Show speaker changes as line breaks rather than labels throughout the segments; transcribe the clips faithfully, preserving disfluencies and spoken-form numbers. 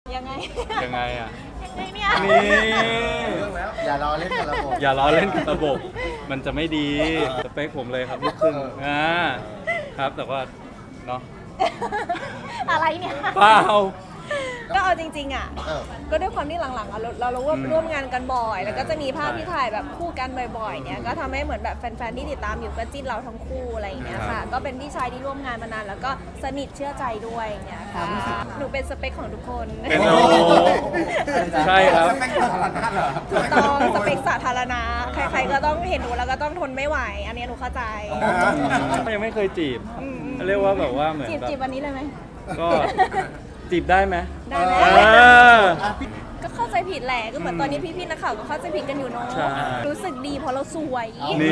ยังไง
ยังไงอ่ะ
ยังไงเนี่ย
นี่
อย่าล้อเล่นกับระบบ
อย่าล้อเล่นกับระบบ มันจะไม่ดีสเปคผมเลยครับลูกครึ่งอ่าครับแต่ว่าเนาะ
อะไรเนี่ย
เปล่า
ก็เอาจริงๆอ่ะ
เออ
ก็ด้วยความที่หลังๆอะเราเราร่วม
อืม
ร่วมงานกันบ่อย แล้วก็จะมีภาพ
ใช่
ที่ถ่ายแบบคู่กันบ่อยๆเนี่ยก็ทำให้เหมือนแบบแฟนๆที่ติดตามอยู่ก็จิ้นเราทั้งคู่อะไรอย่างเงี้ย
ครั
ค่ะ
บ
ก็เป็นพี่ชายที่ร่วมงานมานานแล้วก็สนิทเชื่อใจด้วยอย่างเงี้ยค่ะหนูเป็นสเปคของทุกคน
เป็นโอ้ใช่ครับ
ถูกต้องสเปคสาธารณะใครๆก็ต้องเห็นหนูแล้วก็ต้องทนไม่ไหว อันนี้หนูเข้าใจ
ยังไม่เคยจีบ
อืม
เรียกว่าแบบว่าเหมือน
จีบ
แบบ
จีบวันนี้เลยไหม
ก็จีบได้ไหม
ได้ไหม
อ่า
อ่ะพี่
ก็เข้าใจผิดแหละก็เหมือนตอนนี้พี่ๆนักข่าวก็เข้าใจผิดกันอยู่เนาะ
ใช่
รู้สึกดีเพราะเราสวย
นี่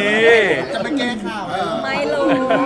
จะไปแก้ข่าวเออ
ไม่เลย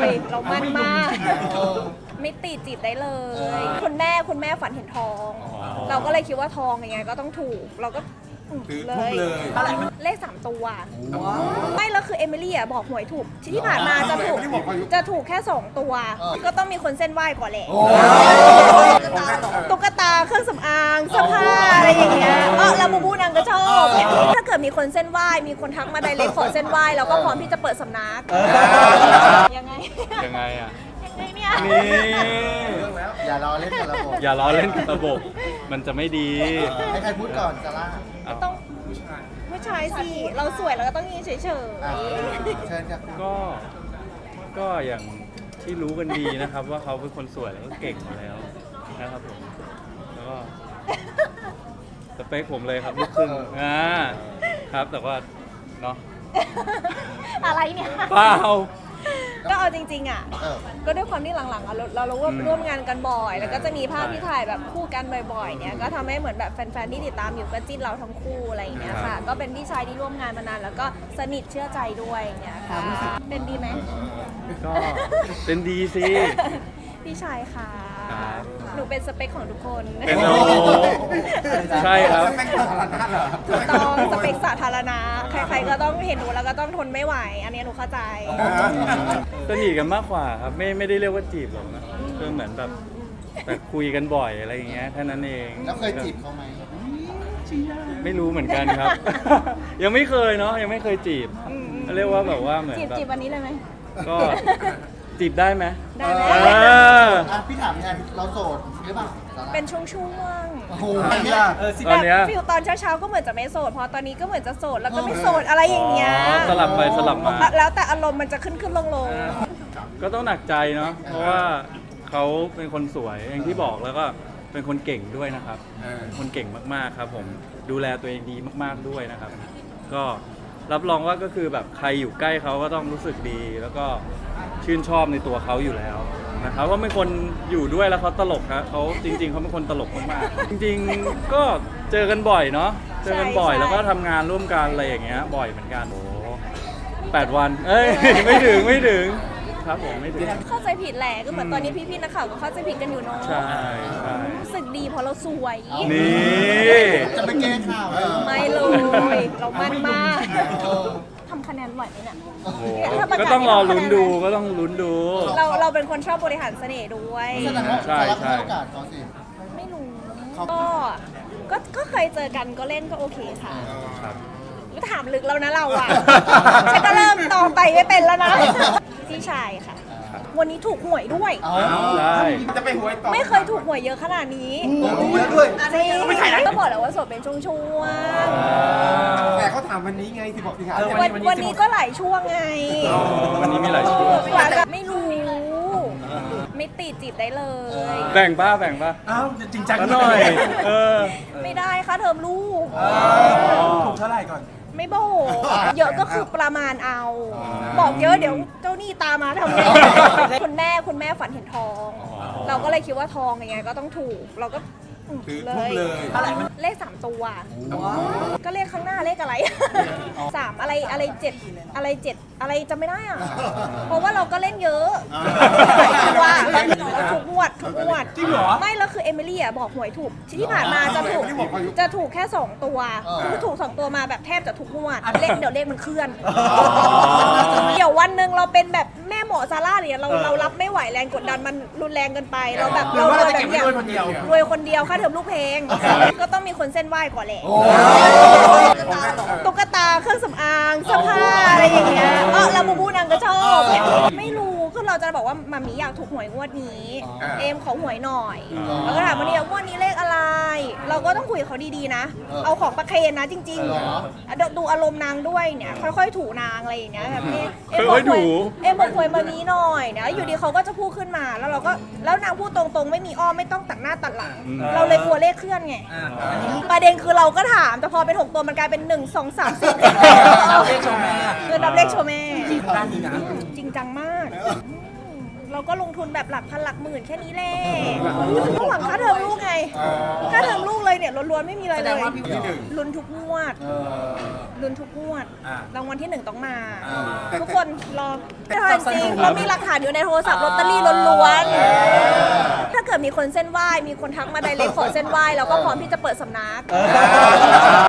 เรามั่นมาก
เออ
ไม่ติดจีบได้เลย
เออ
คุณแม่คุณแม่ฝันเห็นทอง เราก็เลยคิดว่าทองยังไงก็ต้องถูก เราก็อืมเลยเลขสามตัวไม่แล้วคือเอมิลี่อ่ะบอกหวยถูกที่ผ่านมาจะถูกจะถูกแค่สองตัว ก็ต้องมีคนเส้นไหว้ก่อนแหละ
โอ้
ตุ๊กตาเครื่องสำอางเสื้อผ้าอะไรอย่างเงี้ยเออลาบูบูนางก็ชอบถ้าเกิดมีคนเส้นไหว้มีคนทักมาไดเรกขอเส้นไหว้เราก็พร้อมที่จะเปิดสำนักยังไง
ยังไงอ่ะ
ยังไงเนี่ย
นี่
อย่าล้อเล่นกับระบบ
อย่าล้อเล่นกับระบบ มันจะไม่ดี
ให้ใครพูดก่อนซาร่า
เอา
ต้องผู้ชายสิเราสวยเราก็ต้องยืนเฉย
อ่ะ
ๆ
เชิญครับ
ก็ ก็อย่างที่รู้กันดีนะครับ ว่าเขาเป็นคนสวยแล้วก็เก่งมาแล้วนะครับผม แล้วก็สเปคผมเลยครับลูกครึ่งอ่าครับแต่ว่าเนาะ
อะไรเนี่ย
เปล่า
ก็เอาจริงๆอ่ะ
เออ
ก็ด้วยความที่หลังๆอะเราเราร่วม
อืม
ร่วมงานกันบ่อย แล้วก็จะมีภาพ
ใช่
ที่ถ่ายแบบคู่กันบ่อยๆเนี่ยก็ทำให้เหมือนแบบแฟนๆที่ติดตามอยู่ก็จิ้นเราทั้งคู่อะไรอย่างเงี้ย
ครั
ค่ะ
บ
ก็เป็นพี่ชายที่ร่วมงานมานานแล้วก็สนิทเชื่อใจด้วยอย่างเงี้ยค่ะเป็นดีไหม
ก็เป็นดีสิ
พี่ชายค่ะ
ครับ
หนูเป็นสเปคของทุกคน
เป็นโอ้ใช่ครับ
ถูกต้องสเปคสาธารณะใครๆก็ต้องเห็นหนูแล้วก็ต้องทนไม่ไหว อันนี้หนูเข้าใจ
สนิทกันมากกว่าครับไม่ไม่ได้เรียกว่าจีบหรอกนะก็เหมือนแบบแต่คุยกันบ่อยอะไรอย่างเงี้ยแค่นั้นเอง
แล้วเคยจีบเขาไหม
ไม่รู้เหมือนกันครับ ยังไม่เคยเนาะยังไม่เคยจีบ
อืม
เรียกว่าแบบว่าเหมือน
จีบ
แบบ
จีบวันนี้เลยไหม
ก็จีบได้ไหม
ได้ไหม
เออ
อ่ะพี่ถามแทนเราโสดหรือเปล่าซาร่า
เป็นช่วง
โอ้โห
ตอนเนี้ย
แบบฟิลตอนเช้าๆก็เหมือนจะไม่โสดพอตอนนี้ก็เหมือนจะโสดแล้วก็ไม่โสดอะไรอย่างเงี้ย
อ๋อสลับไปสลับมา
แล้วแต่อารมณ์มันจะขึ้นขึ้นลงลง
ก็ต้องหนักใจเนาะเพราะว่าเขาเป็นคนสวยอย่างที่บอกแล้วก็เป็นคนเก่งด้วยนะครับเป็นคนเก่งมากๆครับ ผมดูแลตัวเองดีมากๆด้วยนะครับ ก็รับรองว่าก็คือแบบใครอยู่ใกล้เขาก็ต้องรู้สึกดี แล้วก็ชื่นชอบในตัวเขาอยู่แล้วนะครับว่าเป็นคนอยู่ด้วยแล้วเขาตลกครับเขาจริง ๆเขาเป็นคนตลกมากๆจริงๆก็เจอกันบ่อยเนาะเจอกันบ่อยแล้วก็ทำงานร่วมกันอะไรอย่างเงี้ยบ่อยเหมือนกันโอ้แปดวัน เอ้ย ไม่ถึงไม่ถึงครับผมไม่ถึง
เข้าใจผิดแหละก็เหมือนตอนนี้พี่ๆนักข่าวก็เข้าใจผิดกันอยู่เนาะ
ใช่ใช่
รู้สึกดีเพราะเราสวย
นี่
จะไปแก้ข่าวเออ
ไม่เลย เรามั่นมาก
เออ
ทำคะแนนไหวไหมเนี่ย
โอ้โหก็ต้องรอลุ้นดูก็ต้องลุ้นดู
เราเราเป็นคนชอบบริหารเสน่ห์ด้วย
แสดงว่า
ใช่
ซาร่า
ใช่
ให้โอกาสเขาสิ
ไม่รู้
เขา
ก็ก็ก็เคยเจอกันก็เล่นก็โอเคค่ะ
ครับ
ก็ถามลึกแล้วนะเราอ่ะ ฉันก็เริ่มตอบไปไม่เป็นแล้วนะ พี่ชายค่ะ วันนี้ถูกหวยด้วย
เอา
ได้
จะไปหวยต่อ
ไม่เคยถูกหวยเยอะขนาดนี้
เยอะด้วย
จริงก็บอกแล้วว่าโสดเป็นช่วง
แต่เขาถามวันนี้ไงที่บอกที่ถาม
ๆวันวันนี้ก็หลายช่วงไง
อ๋อวันนี้มีหลายช่วง
กว่าจะไม่รู้ ไม่ติดจีบได้เลย
แบ่งป้าแบ่งป้า
อ้าวจริงจัง
ก็หน่อย เออ
ไม่ได้ค่ะเทอมลูก
ถูกเท่าไหร่ก่อน
ไม่บอกเยอะก็คือประมาณเอา บอกเยอะเดี๋ยวเจ้าหนี้ตามมาทำไงคุณแม่คุณแม่ฝันเห็นทอง เราก็เลยคิดว่าทองยังไงก็ต้องถูก เราก็อืม
ถือ
เล
ทุบ
ย
เลย
เลขสามตัว ก็เลขข้างหน้าเลขอะไร สามอะไรอะไรเจ็ดอะไรเจ็ดอะไรจำไม่ได้อ่ะ เพราะว่าเราก็เล่นเยอะหลายตัวเราถูกงวดดทุกงวด
จริงเหรอ
ไม่แล้วคือเอมิลี่อ่ะบอกหวยถูกที่ผ่านมาจะถูก
เอมิลี่บอกอายุ
จะถูกแค่สองตัวคือถูกสองตัวมาแบบแทบจะทุกงวดเลขเดี๋ยวเลขมันเคลื่อนเดี๋ยววันหนึ่งเราเป็นแบบแม่หมอซาร่าเนี่ยเราเรารับไม่ไหวแรงกดดันมันรุนแรงเกินไปเราแบบ
หรือว่าเราจะ
แบ
เก็บบ ไว้
เนี้ย
ด้วยคนเดียว
รวยคนเดียวค่าเทอมลูกเพลงก็ต้องมีคนเส้นไหว้ก่อนแหละตุ๊กตาเครื่องสำอางเสื้อผ้าอะไรอย่างเงี้ยเออแล้วบูบูนางก็ชอบไม่รู้คือเราจะบอกว่ามามีอยากถูกหวยงวดนี้ เอมขอหวยหน่อยแล้วก็ถามว่าเนี่ยงวดนี้เลขอะไร เราก็ต้องคุยกับเขาดีๆนะ เอาของประเคนนะจริงๆดูดูอารมณ์นางด้วยเนี่ยค่อยๆถูนางอะไรอย่างเงี้ยแบบนี้เอ็มบอกหวยเอ็มบอกหวยมานี้หน่อยนะอยู่ดีเขาก็จะพูดขึ้นมาแล้วเราก็แล้วนางพูดตรงๆไม่มีอ้อมไม่ต้องตัดหน้าตัดหลัง เราเลยกลัวเลขเคลื่อนไงประเด็นคือเราก็ถามแต่พอเป็นหกตัวมันกลายเป็นหนึ่งสองสามสี่
เลขโชว์แม่
เงินนับเลขโชว์แม่
ด้านนี้นะ
จริงจังมาก เราก็ลงทุนแบบหลักพันหลักหมื่นแค่นี้แหละก็หวังค่าเทอมลูกไง ค่าเทอมลูกเลยเนี่ยล้วนๆไม่มีอะไรเลย ลุ้นทุกงวด ลุ้นทุกงวด รางวัลที่หนึ่งต้องมา ทุกคนรอจริงเรามีหลักฐานอยู่ในโทรศัพท์ลอตเตอรี่ล้วนๆ ถ้าเกิดมีคนเส้นไหว้ มีคนทักมาไดเรกขอเส้นไหว้เราก็พร้อมที่จะเปิดสำนัก